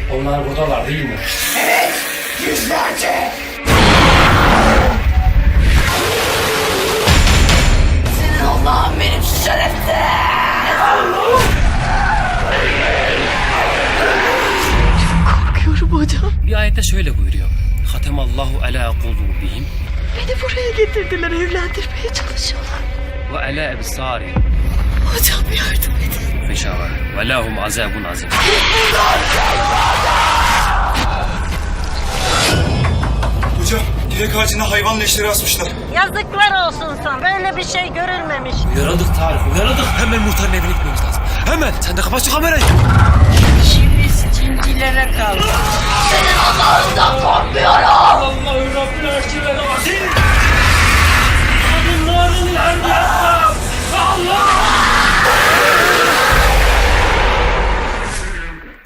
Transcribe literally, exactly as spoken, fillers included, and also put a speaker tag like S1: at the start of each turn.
S1: Onlar buradalar değil mi?
S2: Evet, yüzlerce. Senin Allah'ın benim şerefsiz.
S3: Korkuyorum hocam.
S1: Bir ayette şöyle buyuruyor. Hatemallahu ala kulubihim
S3: Beni buraya getirdiler, evlendirmeye çalışıyorlar.
S1: ve ala ebsari
S3: Hocam yardım edin.
S1: fişava ve lahum azabun azim.
S4: Hocam, direk ağacına hayvan leşleri asmışlar.
S5: Yazıklar olsun sana. Böyle bir şey görülmemiş.
S1: Uyarıldık Tarık, uyarıldık. Hemen muhtarın evine gitmemiz lazım. Hemen, sen de kapat şu kamerayı.